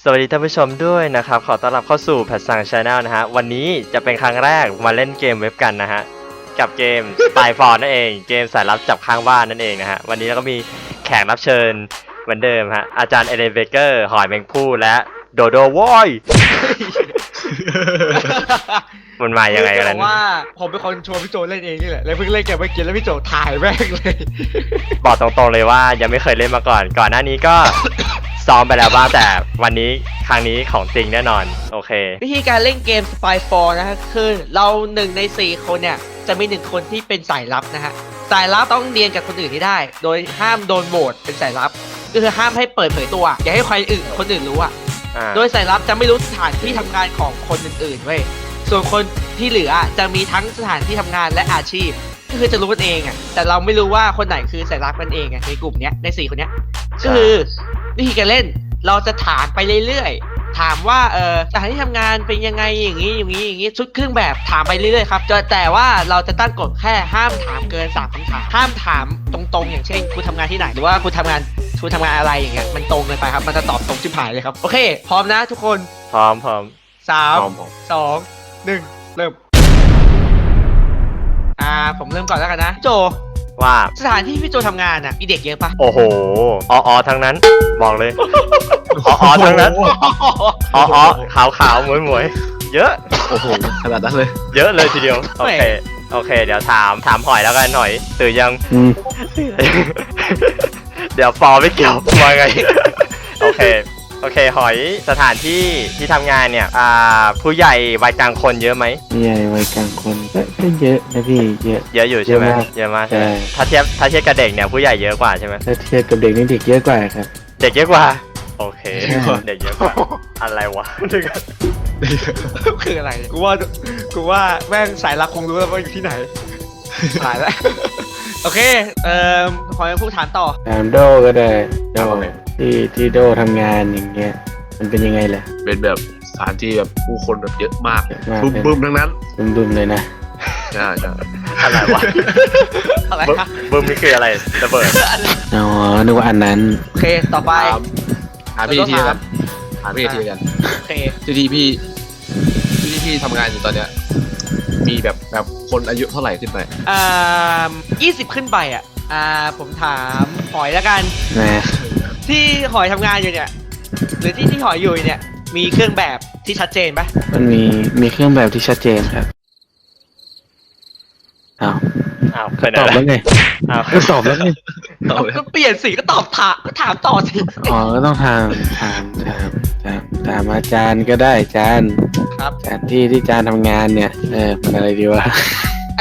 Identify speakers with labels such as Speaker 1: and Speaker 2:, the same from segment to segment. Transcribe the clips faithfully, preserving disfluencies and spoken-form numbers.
Speaker 1: สวัสดีท่านผู้ชมด้วยนะครับขอต้อนรับเข้าสู่แพทซังชาแนลนะฮะวันนี้จะเป็นครั้งแรกมาเล่นเกมเว็บกันนะฮะกับเกม Spy Fort นั่นเองเกมสายลับจับข้างบ้านนั่นเองนะฮะวันนี้เราก็มีแขกรับเชิญเหมือนเดิมฮะอาจารย์เอเลนเบเกอร์หอยแมงผู้และโดโดวอยมันมายังไงกันนั้น
Speaker 2: ว่าผมเป็นคนชวนพี่โจเล่นเองนี่แหละแล้วเพิ่งเล่นเกมเมื่อกี้แล้วพี่โจถ่ายแม่งเลย
Speaker 1: บอกตรงๆเลยว่ายังไม่เคยเล่นมาก่อนก่อนหน้านี้ก็ ซ้อมไปแล้วบ้างแต่วันนี้ครั้งนี้ของจริงแน่นอนโอเค
Speaker 2: วิธีการเล่นเกม Spy Fort นะฮะคือเราหนึ่งในสี่คนเนี่ยจะมีหนึ่งคนที่เป็นสายลับนะฮะสายลับต้องเรียนกับคนอื่นที่ได้ โดยห้ามโดนโหวตเป็นสายลับก็คือห้ามให้เปิดเผยตัวอย่าให้ใครอื่นคนอื่นรู้อ่ะโดยสายลับจะไม่รู้สถานที่ทำงานของคนอื่นๆเว้ยส่วนคนที่เหลือจะมีทั้งสถานที่ทำงานและอาชีพก็คือจะรู้กันเองอ่ะแต่เราไม่รู้ว่าคนไหนคือสายลับกันเองอ่ะในกลุ่มเนี้ยในสี่คนเนี้ยก็คือวิธีการเล่นเราจะถามไปเรื่อยๆถามว่าเออสถานที่ทำงานเป็นยังไงอย่างนี้อย่างนี้อย่างนี้ชุดเครื่องแบบถามไปเรื่อยๆครับแต่ว่าเราจะตั้งกฎแค่ห้ามถามเกินสามคำถามห้ามถามตรงๆอย่างเช่นคุณทำงานที่ไหนหรือว่าคุณทำงานคุณทำงานอะไรอย่างเงี้ยมันตรงเลยไปครับมันจะตอบตรงชิบหายเลยครับโอเคพร้อมนะทุกคน
Speaker 1: พร้อมพร้อม
Speaker 2: สามสองหนึ่งเริ่มอ่าผมเริ่มก่อนแล้วกันนะโจ
Speaker 1: ว่า
Speaker 2: สถานที่พี่โจทำงานอ่ะมีเด็กเยอะปะ
Speaker 1: โอ้โหอ๋ออ๋อทั้งนั้นบอกเลยอ๋ออ๋อทั้งนั้นอ๋ออ๋อขาวขาวหมวยหมวยเยอะ
Speaker 3: โอ้โหขนาดนั้นเลย
Speaker 1: เยอะเลยทีเดียวโอเคโอเคเดี๋ยวถามถามหอยแล้วกันหน่อยตื่นยังเดี๋ยวฟอไม่เกี่ยวมาไงโอเคโอเคหอยสถานที่ที่ทำงานเนี่ยอ่าผู้ใหญ่วัยกลางคนเยอะไหม
Speaker 4: ผู้ใหญ่วัยกลางคนก็เยอะนะพี่เยอะ
Speaker 1: เยอะอยู่ใช่ไหมเยอะมากใช่ถ้าเทียบถ้าเทียบกับเด็กเนี่ยผู้ใหญ่เยอะกว่าใช่ไหม
Speaker 4: ถ้าเทียบกับเด็กนี่เด็กเยอะกว่าครับ
Speaker 1: เด็กเยอะกว่าโอเคเด็กเยอะกว่าอะไรวะ
Speaker 2: คืออะไรกูว่ากูว่าแม่งสายลับคงรู้แล้วว่าอยู่ที่ไหนหายแล้วโอเคเอ่อขอให้ผู้ถามต่อ
Speaker 4: ถามโดก็ได้โดที่ที่โดทำงานอย่างเงี้ยมันเป็นยังไงล่ะ
Speaker 3: เป็นแบบสถานที่แบบผู้คนแบบเยอะมากบึ้มบึ้มทั้งนั้น
Speaker 4: บึ้มๆเลยนะ
Speaker 3: ใช่ใช่
Speaker 1: อะไรวะ
Speaker 2: อะไร
Speaker 1: บึ้มนี่คืออะไรระเบิด
Speaker 4: อ๋อนึกว่าอันนั้น
Speaker 2: โอเคต่อไป
Speaker 3: หาพี่ทีกันหาพี่ทีกัน
Speaker 2: โอเค
Speaker 3: ที่ที่พี่ที่ที่พี่ทำงานอยู่ตอนเนี้ยมีแบบแบบคนอายุเท่าไหร่ขึ้นไป
Speaker 2: อ่ายี่สิบขึ้นไปอ่ะอ่าผมถามหอยแล้วกัน
Speaker 4: นะ
Speaker 2: ที่หอยทำงานอยู่เนี่ยหรือที่ที่หอยอยู่เนี่ยมีเครื่องแบบที่ชัดเจนปะ
Speaker 4: มันมีมีเครื่องแบบที่ชัดเจนครับอ้าว
Speaker 1: อ้าว
Speaker 4: ตอบแล้วไง
Speaker 1: อ้าว
Speaker 4: ตอบแล้วไง
Speaker 2: ก็เปลี่ยนสิก็ตอบถามก็ถามต่อสิ
Speaker 4: อ๋อก็ต้องถามถามถามถามถามอาจารย์ก็ได้อาจารย์
Speaker 2: ครับ
Speaker 4: สถานที่ที่อาจารย์ทำงานเนี่ยเออเป็นอะไรดีวะ
Speaker 2: ไอ้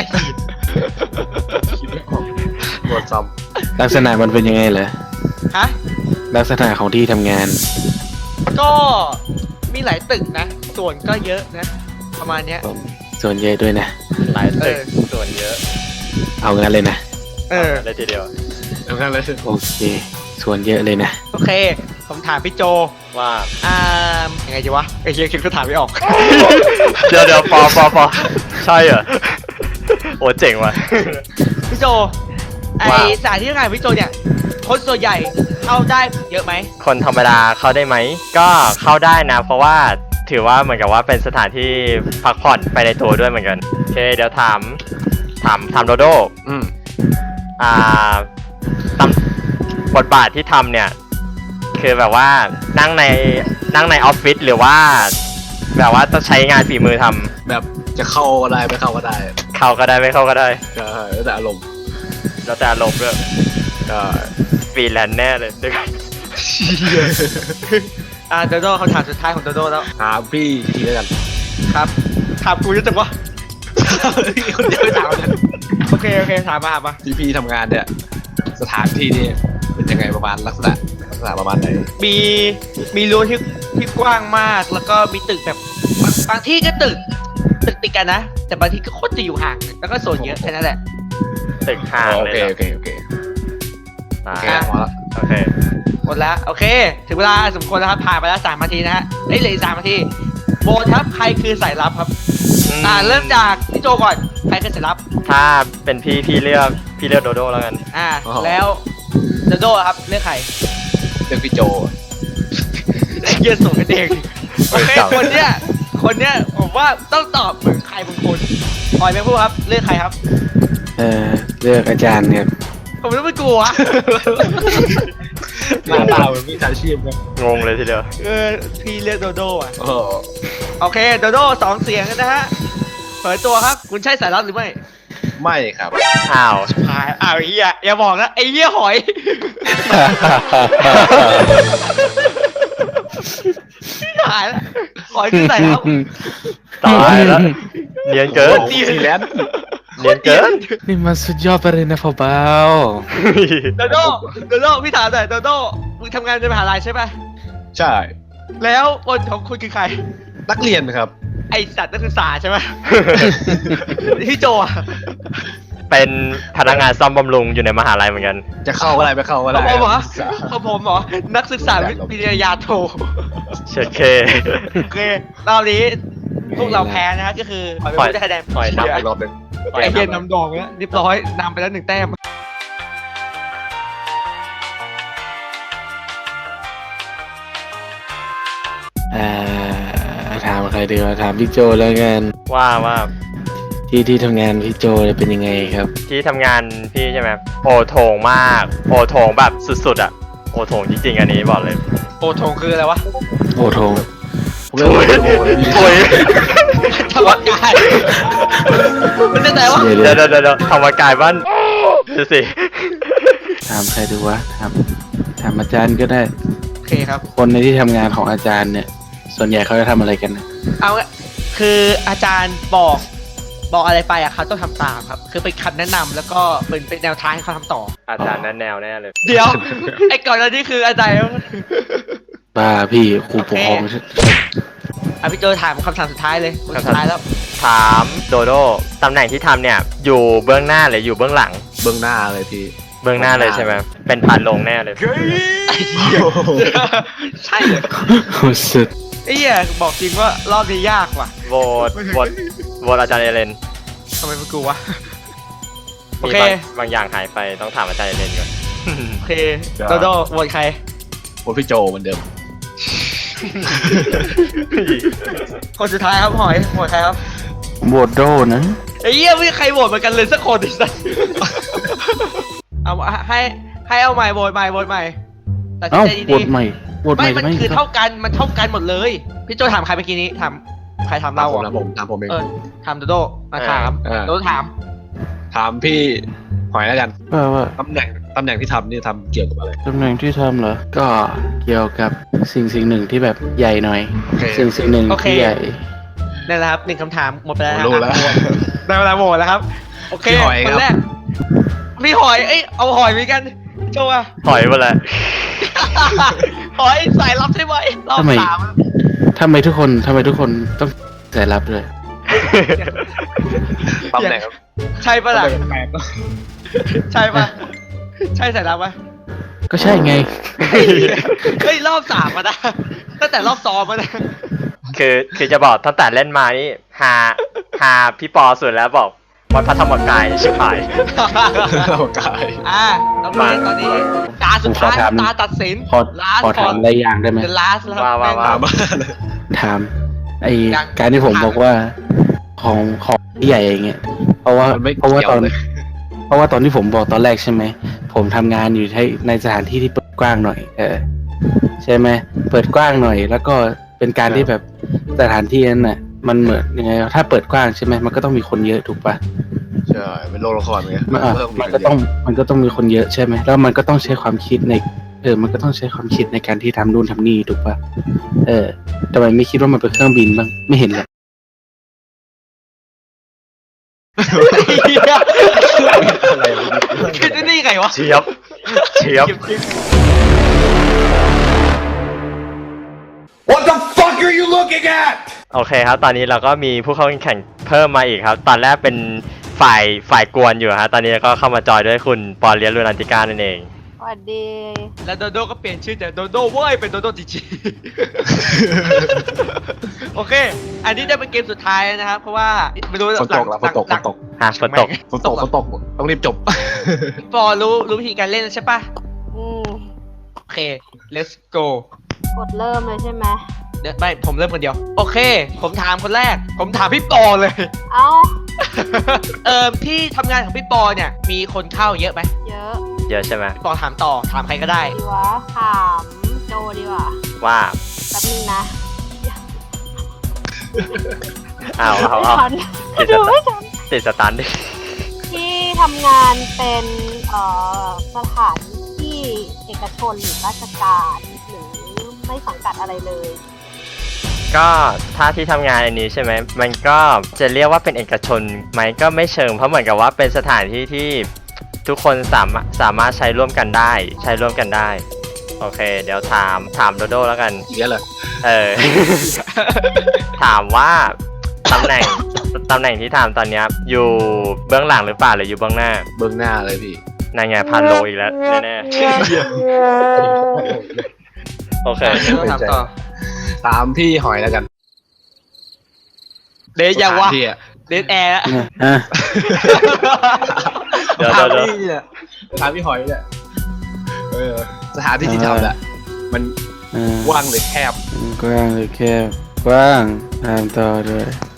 Speaker 3: หมดซ้
Speaker 4: ำลักษณะมันเป็นยังไงเหรอ
Speaker 2: ฮะ
Speaker 4: ลักษณะของที่ทำงาน
Speaker 2: ก็มีหลายตึกนะส่วนก็เยอะนะประมาณเนี้ย
Speaker 4: ส่วนเยอะด้วยนะ
Speaker 1: หลายตึกส่วนเยอะ
Speaker 4: เอางั้นเลยนะ
Speaker 2: เออ
Speaker 1: ได้ทีเดียว
Speaker 3: เอางั้นเลย
Speaker 4: โอเคส่วนเยอะเลยนะ
Speaker 2: โอเคผมถามพี่โจ
Speaker 1: ว่า
Speaker 2: อ่ายังไงดีวะไอ้เฮียคิดก็ถามไม่ออก
Speaker 1: เดี๋ยวเดี๋ยวปอปอปอใช่เหรอโอ้เจ๋งว่ะ
Speaker 2: พี่โจไอสถานที่ทำงานพี่โจเนี่ยคนส่วนใหญ่เข้าได้เยอะไหม
Speaker 1: คนธรรมดาเข้าได้ไหมก็เข้าได้นะเพราะว่าถือว่าเหมือนกับว่าเป็นสถานที่พักผ่อนไปในตัวด้วยเหมือนกันโอเคเดี๋ยวถามถามถามโดโด
Speaker 3: อืม
Speaker 1: อ่าตำบทบาทที่ทำเนี่ยคือแบบว่านั่งในนั่งในออฟฟิศหรือว่าแบบว่าต้องใช้งานฝีมือท
Speaker 3: ำแบบจะเข้าก็ได้ไม่เข้าก็ได้
Speaker 1: เข้าก็ได้ไม่เข้าก็ได้
Speaker 3: ใช่แล้วแต่อารมณ์
Speaker 1: แล้วแต่อารมณ์ด้วย
Speaker 3: ก็
Speaker 1: ฟรีแลนซ์แน่เลยด้วยกัน
Speaker 2: อ่าโดโดเขาถามสุดท้ายของโดโดแล้ว
Speaker 3: ถามพี่ทีแล้วกัน
Speaker 2: ครับถามกูจะจังวะคนเดียวถามกันโอเคโอเคถามมาถามมา
Speaker 3: ที่พี่ทำงานเนี่ยสถานที่นี่เป็นยังไงประมาณลักษณะลักษณะประมาณไหน
Speaker 2: มีมีรั้วที่ที่กว้างมากแล้วก็มีตึกแบบบางบางที่ก็ตึกตึกติดกันนะแต่บางที่ก็โคตรจะอยู่ห่างแล้วก็โซนเยอะแค่นั้นแหละ
Speaker 1: ตึกห่างเลย
Speaker 3: โอเคโอเคโอเคโอเคหมดแล้ว
Speaker 1: โอเค
Speaker 2: หมดแล้วโอเคถึงเวลาสมควรแล้วครับผ่านไปแล้วสามนาทีนะฮะเอ้ยเหลือสามนาทีโบนครับใครคือสายลับครับอ่าเริ่มจากพี่โจก่อนใครคือสายลับ
Speaker 1: ถ้าเป็นพี่พี่เลือกพี่เลือกโดโดแล้วกัน
Speaker 2: อ่าแล้วโดโดครับเลือกใคร
Speaker 3: เลือกพี่โจ
Speaker 2: ไอ้เหี้ยส่งกันเองโอเคคนเนี้ยคนเนี้ยผมว่าต้องตอบเหมือนใครบางคนออยแม่พูดครับเลือกใครครับ
Speaker 4: เออเลือกอาจารย์เนี่ย
Speaker 2: ผมไม่กลัว
Speaker 3: หน้าตาเหมือนมีอาชีพนะ
Speaker 1: งงเลยทีเดียว
Speaker 2: เออพี่เลือกโดโดอ่ะ
Speaker 3: โอ้โห
Speaker 2: โอเคโดโดสองเสียงกันนะฮะเผยตัวครับคุณใช่สายลับหรือไม่
Speaker 3: ไม่ครับ
Speaker 1: อ้าว
Speaker 2: หายอ้าวไอ้เหี้ยอย่าบอกนะไอ้เหี้ยหอยหายแล้วหอยคือสายลับ
Speaker 1: ตายแล้วเนียนเกิน
Speaker 3: ฟรีแลนซ์
Speaker 1: เนียนเกิน
Speaker 4: นี่มันสุดยอดไปเลยนะพ่อเบา
Speaker 2: โดโดโดโดพี่ถามหน่อยโดโดมึงทำงานในมหาลัยใช่ป่ะ
Speaker 3: ใช่
Speaker 2: แล้วคนของคุณคือใคร
Speaker 3: นักเรียนครับ
Speaker 2: ไอสัตว์นักศึกษาใช่ไหม พี่โจอะ
Speaker 1: เป็นพนักงานซ่อมบำรุงอยู่ในมหาลัยเหมือนกัน
Speaker 3: จะเข้าอะไรไม่เข้าอะไร
Speaker 2: ของผมเหรอของผมเหรอนักศึกษาวิทยาโท
Speaker 1: เชิดเค
Speaker 2: โอเครอบนี้พวกเราแพ้นะฮะก็คือปล่อยไปไม่ได้คะแนน
Speaker 1: ปล่อย
Speaker 3: นับ
Speaker 1: นำ
Speaker 3: อีกรอบหนึง
Speaker 2: ไอเฮียนำดองแล้วเรียบร้อยนำไปแล้วหนึ่งแต้ม
Speaker 4: อ่าถามใครดีวะถามพี่โจแล้วกัน
Speaker 1: ว่าว่า
Speaker 4: ที่ที่ทำงานพี่โจเนี่ยเป็นยังไงครับ
Speaker 1: ที่ทำงานพี่ใช่ไหมโอโถงมาก โอโถงแบบสุดๆอ่ะ โอโถงจริงๆอันนี้บอกเลย
Speaker 2: โอทงคืออะไรวะ
Speaker 4: โอ้โถง
Speaker 3: ผมเรียกว่าโอ้โห
Speaker 1: โอ้ย
Speaker 2: ธรรมกายมันจะแต่ว่า
Speaker 4: เดี๋ยว
Speaker 1: เดี๋
Speaker 4: เดี๋
Speaker 1: ย
Speaker 4: ยว ว
Speaker 1: เดี๋ยวเดี๋ยวธรรมกายบ้านดูสิ
Speaker 4: ถามใครดีวะถามถามอาจารย์ก็ได้
Speaker 2: โอเคครับ
Speaker 4: คนในที่ทำงานของอาจารย์เนี่ย ส่วนใหญ่เขาจะทำอะไรกันนะ
Speaker 2: เอาละคืออาจารย์บอกบอกอะไรไปอะเขาต้องทำตามครับ คือเป็นคำแนะนำแล้วก็เป็นเป็นแนวทางให้เขาทำต่อ
Speaker 1: อาจารย์นั้นแนวแน่เลย
Speaker 2: เดี๋ยว ไอ้ก่อนหน้านี้คืออาจารย์
Speaker 4: บ้าพี่ครูปกครอง
Speaker 2: อ่ะพี่โจถามคำถามสุดท้ายเลยคนสุดท้ายแล้ว
Speaker 1: ถามโดโดตำแหน่งที่ทำเนี่ย อยู่เบื้องหน้าหรืออยู่เบื้องหลัง
Speaker 3: เบื้องหน้าเลยพี่
Speaker 1: เบื้องหน้าเลยใช่ไหมเป็นผ่านลงแน่เลย
Speaker 2: ใช่เลย
Speaker 4: โอ้สุด
Speaker 2: ไอ้เหี้ยบอกจริงว่ารอบนี้ยากว่ะ
Speaker 1: โหวตโหวตโหวตอาจารย์เอเลน
Speaker 2: ทำไมเป็นกูวะ โอ
Speaker 1: มี
Speaker 2: เค
Speaker 1: บางบางอย่างหายไปต้องถามอาจารย์เอเลนก่อน
Speaker 2: โอเคโดโดโหวตใคร
Speaker 3: ผมพี่โจเหมือนเดิม
Speaker 2: คนสุดท้ายครับหอยโหวตใครครับ
Speaker 4: โบดโดนะ
Speaker 2: ไอ้เหี้ยไม่มีใครโหวตเหมือนกันเลยสักคนดิสัสเอาให้ให้เอาใหม่โหวตใหม่โหวตใหม่ตัดสิน
Speaker 4: เอ้า
Speaker 2: ใจ
Speaker 4: โบ
Speaker 2: ดี
Speaker 4: ดใหม่โบด
Speaker 2: ๆ
Speaker 4: ใหม่
Speaker 2: ไม่มัน
Speaker 4: จะไม่
Speaker 2: คือ
Speaker 4: ครั
Speaker 2: เท่า
Speaker 4: บ
Speaker 2: กันมันเท่ากันหมดเลย พี่โจถามใครเมื่อกี้นี้ถามใครถาม
Speaker 3: ตาม
Speaker 2: เรา
Speaker 3: ผม
Speaker 2: เหร
Speaker 3: นะ
Speaker 2: อ
Speaker 3: ผมตามผมเอง
Speaker 2: เออถามโดโดมาถาม
Speaker 3: เออ
Speaker 2: โดโดถาม
Speaker 3: ถามพี่หอยแล้วกัน
Speaker 4: ว่าว่า
Speaker 3: ตำแหน่งตำแหน่งที่ทำนี่ทำเกี่ยวกับอะไร
Speaker 4: ตำแหน่งที่ทำเหรอ ก็เกี่ยวกับสิ่งสิ่งหนึ่งที่แบบใหญ่หน่อย
Speaker 3: โอเค
Speaker 4: สิ่งสิ่งหนึ่งที่ใหญ่
Speaker 2: นั่นแหละครับหนึ่งคำถามหมดไปแล้ว
Speaker 3: ผมรู้แล้ว
Speaker 2: ได้เวลาโหวตแล้วครับโอเค
Speaker 3: พี่หอย
Speaker 2: คน
Speaker 3: ครับ
Speaker 2: แรกพี่หอยเอ้ยเอาหอยเหมือนกันโจอะ
Speaker 1: ถอยหมดแล้ว
Speaker 2: หอยสายลับใช่ไหมรอบ
Speaker 4: ทำไม
Speaker 2: สาม
Speaker 4: ทำไมทุกคนทำไมทุกคนต้องสายลับด้วย
Speaker 3: ตำแหน่งครับ
Speaker 2: ใช่ปะล่ะ
Speaker 3: ตำแหน่งแปลกๆก็
Speaker 2: ใช่ปะใช่สายลับปะ
Speaker 4: ก็ใช่ไง
Speaker 2: เฮ้ยรอบสามมานะตั้งแต่รอบซ้อมมานะ
Speaker 1: คือคือจะบอกตั้งแต่เล่นมานี่หาหาพี่ปอสุดแล้วบอกวัดพระธรรมกายชิบหาย
Speaker 3: เรากาย
Speaker 2: อ่าตอนนี้ตอนนี้ตาสุดท้าย
Speaker 4: ผมขอถาม
Speaker 2: ตาตัดสิน
Speaker 4: ขอ
Speaker 2: last
Speaker 4: ขอถามอะไรอย่างได้ไหม
Speaker 2: the last แล้ว
Speaker 1: ว่าว่าว่า
Speaker 3: ตามมาเลย
Speaker 4: ถาม ไอ
Speaker 2: ยัง
Speaker 4: การที่ผมบอกว่าของของที่ใหญ่อย่างเงี้ย เพราะว่า
Speaker 3: มันไม่
Speaker 4: เพราะว่า
Speaker 3: เกี่ยว
Speaker 4: ตอน
Speaker 3: เลย
Speaker 4: เพราะว่าตอนที่ผมบอกตอนแรกใช่ไหม ผมทำงานอยู่ในในสถานที่ที่เปิดกว้างหน่อย เออ ใช่ไหม เปิดกว้างหน่อย แล้วก็เป็นการที่แบบสถานที่นั้นน่ะ มันเหมือนยังไง ถ้าเปิดกว้างใช่ไหม มันก็ต้องมีคนเยอะถูกปะ
Speaker 3: ใช่เป็นโรงละครไง
Speaker 4: มันอ่ะ
Speaker 3: เพิ่
Speaker 4: มันก็ต้องมันก็ต้องมีคนเยอะใช่ไหม แล้วมันก็ต้องใช้ความคิดใน เออ มันก็ต้องใช้ความคิดในการที่ทำนู่นทำนี่ถูกปะเออทำไมไม่คิดว่ามันเป็นเครื่องบินบ้าง ไม่เห็นเหรอ
Speaker 3: อะไรวะ
Speaker 2: คือได้นี่ไงวะ
Speaker 1: เชียบเชียบ
Speaker 5: What the fuck are you looking at?
Speaker 1: โอเคครับ ตอนนี้เราก็มีผู้เข้าแข่งขันเพิ่มมาอีกครับ ตอนแรกเป็นฝ่ายฝ่ายกวนอยู่ฮะ ตอนนี้ก็เข้ามาจอยด้วยคุณปอเลียนลูนันติก้านั่นเอง
Speaker 6: สวัสดี
Speaker 2: แล้วโดโดก็เปลี่ยนชื่อจากโดโดเว้ยเป็นโดโดจีจี โอเค อันนี้จะเป็นเกมสุดท้ายนะครับ เพราะว่าไม่รู้
Speaker 3: ฝนตกแล้วฝนตกฝนตก
Speaker 1: ฮะฝนตก
Speaker 3: ฝนตกฝนตกต้องรีบจบ
Speaker 2: ปอรู้รู้วิธีการเล่นแล้วใช่ปะ
Speaker 6: อืม
Speaker 2: โอเค let's go
Speaker 6: กดเริ่มเลยใช่ไหม
Speaker 2: เดี๋ยวไม่ผมเริ่มคนเดียว โอเค ผมถามคนแรก ผมถามพี่ปอเลย
Speaker 6: เอ้า
Speaker 2: เอ่อที่ทำงานของพี่ปอเนี่ย มีคนเข้าเยอะไหม
Speaker 6: เยอะ
Speaker 1: เยอะใช่ไหม
Speaker 2: พี่ปอถามต่อ ถามใครก็ได้
Speaker 6: ดีวะ ถามโจดีกว่า
Speaker 1: ว่า
Speaker 6: แป๊บนึงนะ
Speaker 1: เอาเอา
Speaker 6: ไม่
Speaker 1: เอา
Speaker 6: ทัน
Speaker 1: ติดส
Speaker 6: ดู
Speaker 1: ตา
Speaker 6: ไม่
Speaker 1: ร์
Speaker 6: ทัน
Speaker 1: ติดสตาร์ทดิ
Speaker 6: ที่ทำงานเป็นเอ่อสถานที่เอกชนหรือราชการหรือไม่สังกัดอะไรเลย
Speaker 1: ก็ถ้าที่ทำงานอันนี้ใช่ไหมมันก็จะเรียกว่าเป็นเอกชนไหมก็ไม่เชิงเพราะเหมือนกับว่าเป็นสถานที่ที่ทุกคนสามารถสามารถใช้ร่วมกันได้ ใช้ร่วมกันได้ โอเค เดี๋ยวถามถามโดโดแล้วกัน
Speaker 3: อีกแล้วเหรอ
Speaker 1: เออ ถามว่าตำแหน่งตำแหน่งที่ถามตอนเนี้ยอยู่เบื้องหลังหรือเปล่าหรืออยู่เบื้องหน้า
Speaker 3: เบื้องหน้าเลยพี่
Speaker 1: นายไงพันโลอีกแล้วแน่ๆโอเค
Speaker 2: ถามต่อ
Speaker 3: ตามพี่หอยแล้วกัน
Speaker 2: เดทยังวะ
Speaker 3: สถานที่อะ
Speaker 2: เดทแอร์แล้ว
Speaker 4: อ่ะ
Speaker 1: เดี๋ยว
Speaker 3: ถาม
Speaker 1: เดี๋ยว
Speaker 3: พี่เนี่ยถามพี่หอยเนี่ยเออสถานที่ที่ทำแหละมัน
Speaker 4: อ่ะ
Speaker 3: กว้างหรือแคบ
Speaker 4: กว้างหรือแคบกว้างตามต่อด้วย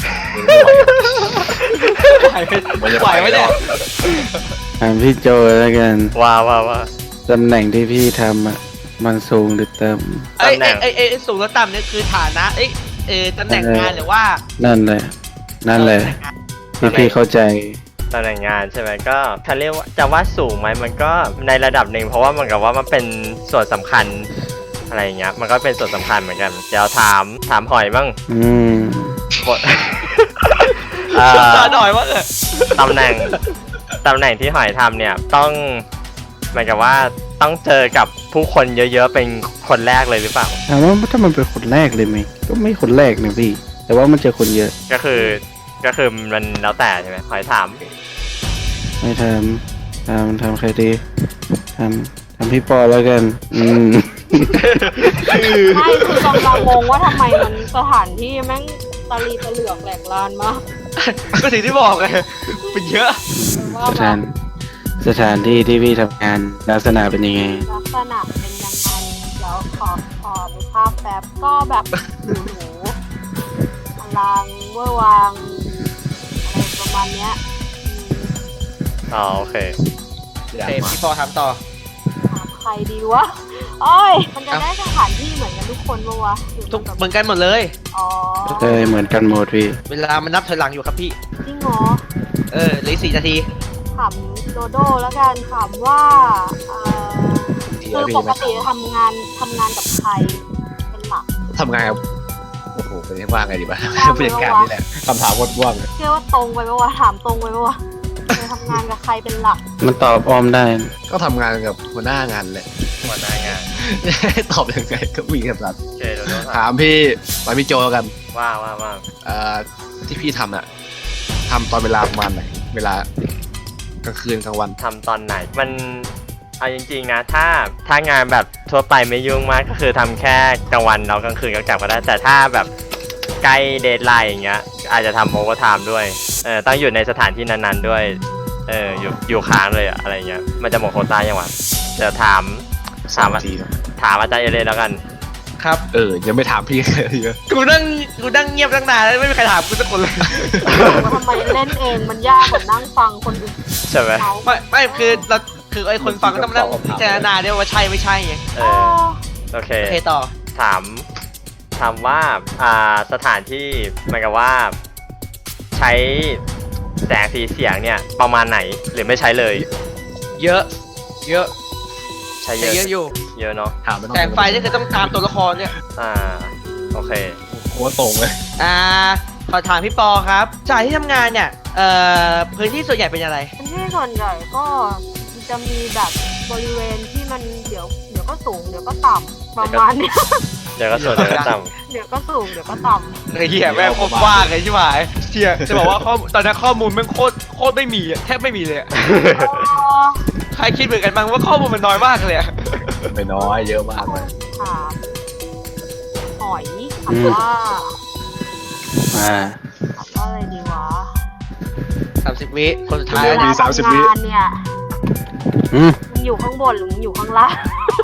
Speaker 2: ไหวไหวไหมเนี่ย
Speaker 4: ถามพี่โจแล้วกัน
Speaker 1: ว่าว่าว่า
Speaker 4: ตำแหน่งที่พี่ทำอ่ะมันสูงหรือต่
Speaker 2: ไอ้
Speaker 1: ตำแหน่
Speaker 2: ไอ้
Speaker 1: ง
Speaker 2: ไอ้ไอ้สูงและต่ำเนี่ยคือฐานะเอ้ยเออตำแหน่งงานหรือว่า
Speaker 4: ำนั่นแหละ นั่นแหละที่พี่เข้าใจ
Speaker 1: ตำแหน่งงานใช่ไหมก็ถ้าเรียกว่าจะว่าสูงไหมมันก็ในระดับหนึ่งเพราะว่ามันกับว่ามันเป็นส่วนสำคัญอะไรอย่างเงี้ยมันก็เป็นส่วนสำคัญเหมือนกันเดี๋ยวถามถามหอยบ้าง
Speaker 4: อืม
Speaker 1: บท เอ่อ
Speaker 2: ตาหน่อยว่าเออ
Speaker 1: ตำแหน่งตำแหน่งที่หอยทำเนี่ยต้องเหมือนกับว่าต้องเจอกับผู้คนเยอะๆเป็นคนแรกเลยหรือเปล่า
Speaker 4: ถามว่าถ้ามันเป็นคนแรกเลยไหมก็ไม่คนแรกนะพี่ แต่ว่ามันเจอคนเยอะ
Speaker 1: ก็คือก็คือมันแล้วแต่ใช่ไหมหอยถาม
Speaker 4: ไม่ทำทำทำใครดีทำทำพี่ปอแล้วกัน อืม
Speaker 6: ไม่คือกำลังงงว่าทำไมมันสถานที่แม่งตะลีตะเหลือกแหลกลานมาก
Speaker 2: ก็สิ่งที่บอกไงเป็นเยอะ
Speaker 6: ว่า
Speaker 4: สถานสถานที่ที่พี่ทำงานลักษณะเป็นยังไง
Speaker 6: ลักษณะเป็นยังไงเดี๋ยวขอขอดูภาพแป๊บก็แบบหรูหรูอลังเวอร์วางอะไรประมาณเนี้ยอืม
Speaker 1: อ๋อโอเค
Speaker 2: โอเคพี่ปอถามต่อ
Speaker 6: ถามใครดีวะโอ้ยมันจะได้สถานที่เหมือนกันทุกคนปะวะหรือ
Speaker 2: ทุก
Speaker 6: มันแบบ
Speaker 2: เหมือนกันหมดเลย
Speaker 6: อ๋อ
Speaker 4: เอ้ยเหมือนกันหมดพี่
Speaker 2: เวลามันนับถอยหลังอยู่ครับพี่
Speaker 6: จริงเหรอ
Speaker 2: เออเหลืออกสี่นาที
Speaker 6: ถามโดโดแล้วกันถามว่าเอ่อ
Speaker 3: ดี
Speaker 6: คือ
Speaker 3: นะพี่
Speaker 6: ปก
Speaker 3: นะ
Speaker 6: ติทำงานทำงานกับใครเป็นหลัก
Speaker 3: ทำงานกับโอ้โหเป็นว่าไงดีวะผู้จัดการนี่แหละคำถามวดว่างเลย
Speaker 6: เชื่อว่าตรงไปปะวะถามตรงไปปะวะเคยทำงานกับใครเป็นหลัก
Speaker 4: มันตอบอ้อมได้
Speaker 3: ก็ทำงานกับหัวหน้างานแหละ
Speaker 1: หัวหน้างาน
Speaker 3: ตอบยังไงก็มีคำถาม
Speaker 1: โอเคเดี๋ยวเราถา
Speaker 3: ถาม มพี่ถามพี่โจแล้วกัน
Speaker 1: ว่าว่าว่า
Speaker 3: เอ่อที่พี่ทำอะทำตอนเวลาประมาณไหน เวลากลางคืนกลางวัน
Speaker 1: ทำตอนไหนมันเอาจริงๆนะถ้าถ้างานแบบทั่วไปไม่ยุ่งมากก็คือทำแค่กลางวันแล้วกลางคืนก็กลับก็ได้แต่ถ้าแบบใกล้เดทไลน์อย่างเงี้ยอาจจะทำโอเวอร์ไทม์ด้วยเออต้องอยู่ในสถานที่นั้นๆด้วยเอออยู่อยู่ค้างเลยอะอะไรเงี้ยมันจะหมดโควต้ายังวะเดี๋ยวถามถาม
Speaker 3: สามทีนะ
Speaker 1: ถามอาจารย์เอเลนแล้วกัน
Speaker 2: ครับ
Speaker 3: เออ ยังไม่ถามพี่เลยเยอะ
Speaker 2: กูนั่งกูนั่งเงียบตั้งนานแล้วไม่มีใครถามกูสักคนเลย
Speaker 6: ว่าทำไมเล่นเองมันยากกว่านั่งฟังคนอื่น
Speaker 1: ใช่ไหม
Speaker 6: เขา
Speaker 2: ไม่ไม่คือเราคือไอ้คนฟังก็ต้องมานั่งพิจารณาด้วยว่าใช่ไม่ใช่ไง
Speaker 1: เอ
Speaker 6: เอ
Speaker 1: อ
Speaker 6: อ
Speaker 1: โอเค
Speaker 2: โอเคต่อ
Speaker 1: ถามถามว่าอ่าสถานที่เหมือนกับว่า ใช้แสงสีเสียงเนี่ยประมาณไหนหรือไม่ใช้เลย
Speaker 2: เยอะ เยอะ
Speaker 1: ใช้เย
Speaker 2: ใช้
Speaker 1: อะ
Speaker 2: เยอะอยู่
Speaker 1: เยอะเนาะ
Speaker 3: ถามไม่ต้อง
Speaker 2: แสงไฟนี่คือต้องตามตัวละครเนี่ย
Speaker 1: อ่าโอเค
Speaker 3: โคตรตรงเลย
Speaker 2: อ่าขอถามพี่ปอครับจากที่ทำงานเนี่ยเอ่อพื้นที่ส่วนใหญ่เป็นอะไร
Speaker 6: พื้นที่ส่วนใหญ่ก็จะมีแบบบริเวณที่มันเดี๋ยวเดี๋ยวก็สูงเดี๋ยวก็ต่ำประมาณเนี้ย
Speaker 1: เดี๋ยวก็ส่วนเดี๋ยวก็ต่
Speaker 6: เดี๋ยวก็สูงเดี๋ยวก็ต่ำ
Speaker 2: ไอ้เหี้ยแม่งโคตรว่างเลยใช่ไหมเชี่ยจะบอกว่าข้อมูลตอนนี้ข้อมูลแม่งโคตรโคตรไม่มีอะแทบไม่มีเลยอะ
Speaker 1: ำ
Speaker 2: ใครคิดเหมือนกันบ้างว่าข้อมูลมันน้อยมากเลยอะ
Speaker 3: ไม่น้อยเยอะมากเลย
Speaker 6: ถามหอยถามว่า
Speaker 4: อ่า
Speaker 6: ถามว่าอะไรดีวะ
Speaker 2: สามสิบวิคนสุดท้าย
Speaker 6: เวลา
Speaker 3: มีสามสิบ
Speaker 6: ทำ
Speaker 3: วิ
Speaker 6: งานเนี่ย
Speaker 4: อืม
Speaker 6: มึงอยู่ข้างบนหรือมึงอยู่ข้างล่าง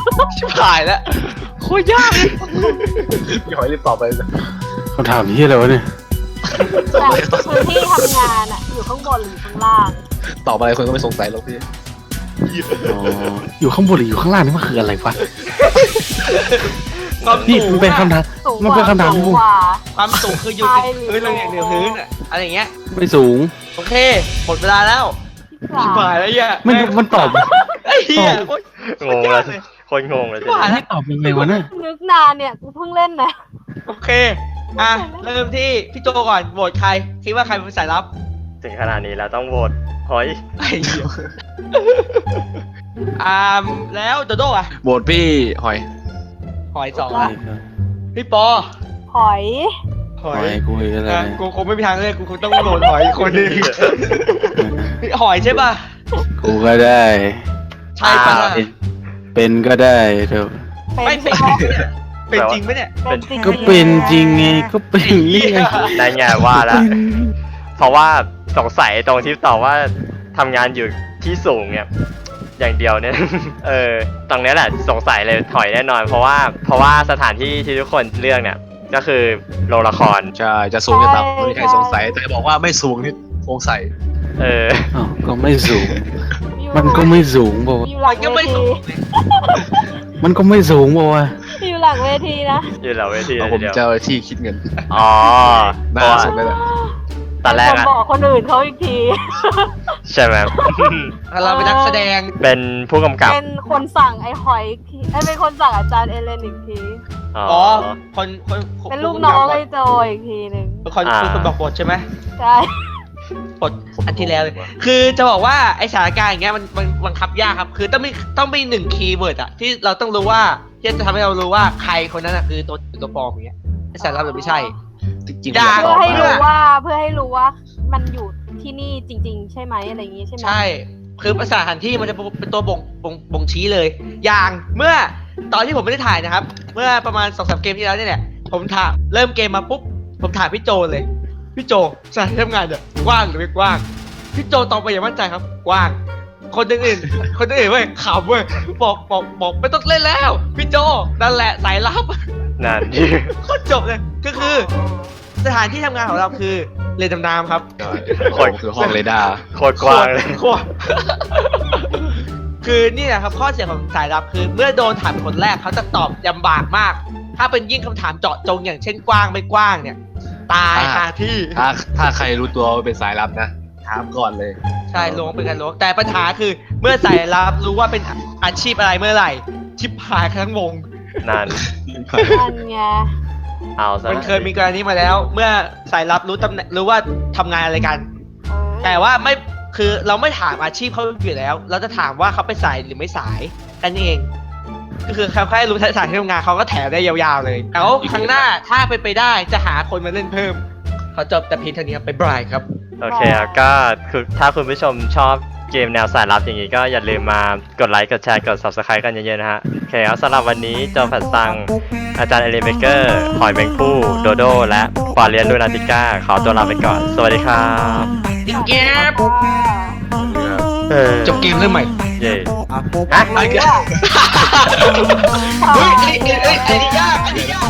Speaker 2: ชิบหายแล้วโคตรยากเลย
Speaker 3: พี่หอยรีบตอบไปเลย
Speaker 4: คำถามนี้อะไรวะเนี่ย
Speaker 6: แต่พื้นที่ทำงานอะอยู่ข้างบนหรือข้างล่าง
Speaker 3: ตอบอะไรคนก็ไม่สงสัยหรอกพี่
Speaker 4: อ๋ออยู่ข้างบนหรืออยู่ข้างล่างนี่มันคืออะไรวะ
Speaker 2: ความ
Speaker 4: นี่
Speaker 2: สู
Speaker 4: มัน
Speaker 2: ง
Speaker 4: เป็นคำ
Speaker 2: อะ
Speaker 4: ถาม
Speaker 6: สูง
Speaker 4: มัน
Speaker 6: ก
Speaker 4: เป็น
Speaker 6: ว่า
Speaker 4: คำถาม
Speaker 6: สู
Speaker 4: ที่
Speaker 6: ง
Speaker 4: ผม
Speaker 6: กว่า
Speaker 2: ความสูงคืออยู่
Speaker 6: ใช่
Speaker 2: ติดพื้นเลยเหนือพื้นอะอะไรอย่างเงี้ย
Speaker 4: ไม่สูง
Speaker 2: โอเคหมดเวลาแล้ว
Speaker 6: ที่
Speaker 2: ชิบ
Speaker 6: สาม
Speaker 2: หายแล้วเหี้ย
Speaker 4: มันมันตอบ
Speaker 2: ไอ้เหี้ยโคตรง
Speaker 1: งแล้วคนงงเลย
Speaker 2: ชิบหายแล้ว
Speaker 4: ตอบยังไงวะเนี่ย
Speaker 6: นึกนานเนี่ยกูเพิ่งเล่นนะ
Speaker 2: โอเคอ่ะเริ่มที่พี่โจก่อนโหวตใครคิดว่าใครเป็นสายลับ
Speaker 1: ถึงขนาดนี้แล้วต้องโหวตหอย
Speaker 2: ไอ้เหี้ยอ่าแล้วโดโด้อะ
Speaker 3: โหวตพี่หอย
Speaker 2: หอยสองละพี่ปอ
Speaker 6: หอย
Speaker 2: ห
Speaker 4: ห
Speaker 2: อ
Speaker 4: อย ยกูอีกอะไร
Speaker 2: อ่ะ
Speaker 4: เนี่ย
Speaker 2: กูคงไม่มีทางเลือกกูคงต้องโหวตหอยอีกคนหนึงพี่หอยใช่ป่ะ
Speaker 4: กูก็ได้
Speaker 2: ใช่ป่ะ
Speaker 1: อ่า
Speaker 4: เป็นเป็นก็ได้เถอะ
Speaker 6: เป็น
Speaker 2: ไม่
Speaker 6: ใช่
Speaker 2: เป็น
Speaker 6: ไหม
Speaker 2: เป็นจริงไหมเนี่ย
Speaker 6: เป็นจริง
Speaker 4: ก็เป็นจริงไงก็เป็นนี่ไง
Speaker 1: ได้ไงว่าแล้ว เพราะว่าสงสัยตรงที่ตอบว่าทำงานอยู่ที่สูงเนี่ยอย่างเดียวเนี่ย เออตรงเนี้ยแหละสงสัยเลยถอยแน่นอน เพราะว่าเพราะว่าสถานที่ที่ทุกคนเลือกเนี่ยก็คือโรงละคร
Speaker 3: ใช่จะสูงจะต่ำไม่มีใครสงสัยแต่บอกว่าไม่สูงนี่สงสัย
Speaker 1: เออ
Speaker 4: อ้าวก็ไม่สูง
Speaker 6: อยู่
Speaker 4: มันก็ไม่สูงบอก
Speaker 6: อยู่หลั
Speaker 2: มัน
Speaker 6: ง
Speaker 2: ก็
Speaker 6: เว
Speaker 2: ไม่สู
Speaker 6: ที
Speaker 2: ง
Speaker 4: มันก็ไม่สูงบอกว่า
Speaker 6: อยู่หลังเวทีนะ
Speaker 1: อยู่เหล่าเวที
Speaker 3: เอา
Speaker 1: เลย
Speaker 3: ผม
Speaker 1: ทีเดียว
Speaker 3: เจ้าที่คิดเงิน
Speaker 1: อ๋อเพ
Speaker 3: หน้า
Speaker 1: ราะว่า
Speaker 3: สุดเลยแหละ
Speaker 1: ตอนแรก
Speaker 6: เป็
Speaker 1: อะ
Speaker 6: คบอกคนอื่นเขาอีกที
Speaker 1: ใช่ไหม
Speaker 2: เราเป็นนักแสดง
Speaker 1: เป็นผู้กำกับ
Speaker 6: เป็นคนสั่งไอ้หอยอีกทีเอ้ยเป็นคนสั่งอาจารย์เอเลนอีกที
Speaker 1: อ๋อ
Speaker 2: อ๋อคนคนค
Speaker 6: เป็นลูกน้องไอ้โจอีกทีหนึ่ง
Speaker 2: เป็นคน
Speaker 1: อ่า
Speaker 2: เป็นคนบอกบทใช่ไหม
Speaker 6: ใช่
Speaker 2: บทอันที่แล้วเลยคือจะบอกว่าไอสถานการณ์อย่างเงี้ยมันมันบังคับยากครับ คือต้องมีต้องมีหนึ่งคีย์เวิร์ดอะที่เราต้องรู้ว่าที่จะทำให้เรารู้ว่าใครคนนั้นอะคือตัวตัวปลอมอย่างเงี้ยไอสารลับหรือไม่ใช่
Speaker 3: จริงๆ
Speaker 2: ด่า
Speaker 3: ผม
Speaker 6: เพื่อให้
Speaker 3: ยาก
Speaker 6: รู้
Speaker 3: บอก
Speaker 6: ว่าเพื่อให้รู้ว่ามันอยู่ที่นี่จริง ๆ ใช่ไหมอะไรอย่างงี้ใช่ไหม
Speaker 2: ใช่ คือสถานที่มันจะเป็นตัวบ่งบ่งบ่งชี้เลย อย่างเมื่อตอนที่ผมไม่ได้ถ่ายนะครับ เมื่อประมาณสองสามเกมที่แล้วเนี่ยแหละผมถามเริ่มเกมมาปุ๊บผมถามพี่โจเลย พี่โจสถานที่ทำงานเนี่ยกว้างหรือไม่กว้าง พี่โจตอบไปอย่างมั่นใจครับ กว้าง คนอื่นๆคนอื่นๆเว้ยขำเว้ยบอกบอกบอกไม่ต้องเล่นแล้ว พี่โจนั่นแหละสายลับ
Speaker 1: นั่น
Speaker 2: โคตรจบเลยก็คือ สถานที่ทำงานของเราคือเรือดำน้ำครับ
Speaker 3: คนคือห้องเรดาร์
Speaker 1: โคตรกว้างเลย
Speaker 2: โคตร คือนี่แหละครับข้อเสียของสายลับคือ เมื่อโดนถามเป็นคนแรกเขาจะตอบลำบากมาก ถ้าเป็นยิ่งคำถามเจาะจงอย่างเช่นกว้างไม่กว้างเนี่ย ตายคาที่
Speaker 3: ถ้าถ้าใครรู้ตัวว่าเป็นสายลับนะถามก่อนเลย
Speaker 2: ใช่ล้วงเป็นการล้วงแต่ปัญหาคือ เมื่อสายลับรู้ว่าเป็นอาชีพอะไรเมื่อไหร่ ชิบหายทั้งวง
Speaker 1: นั่น
Speaker 6: นั่นไง
Speaker 1: เอาซะ
Speaker 2: มันเคยมีกรณีมาแล้ว เมื่อสายลับรู้ตำแหน่งรู้ว่าทำงานอะไรกัน
Speaker 6: เออ
Speaker 2: แต่ว่าไม่คือเราไม่ถามอาชีพเขาอยู่แล้ว เราจะถามว่าเขาไปสายหรือไม่สายกันเอง ก็คือเขาแค่รู้สถานที่ทำงานเขาก็แถมได้ยาวๆเลยแล้วครั้งหน้าถ้าเป็นไปได้จะหาคนมาเล่นเพิ่มขอจบแต่เพียงเท่านี้ครับไปบายครับ
Speaker 1: โอเคครับก็คือถ้าคุณผู้ชมชอบเกมแนวสายลับอย่างนี้ก็อย่าลืมมากดไลค์กดแชร์กด subscribe กันเยอะๆนะฮะโอเคครับสำหรับวันนี้จอมแผ่นซังอาจารย์เอเลนเบเกอร์หอยแมงผู้โดโดและควาเลียนลูนาติก้าขอตัวลาไปก่อน สวัสดีครับ
Speaker 2: ติ๊กแกบ
Speaker 1: เออ
Speaker 2: จบเกมเริ่มใหม่
Speaker 1: เย่
Speaker 2: ฮะไอ้เหี้ยเฮ้ยไอ้ไอ้ไอ้ไอ้นี่ยากไอ้นี่ยาก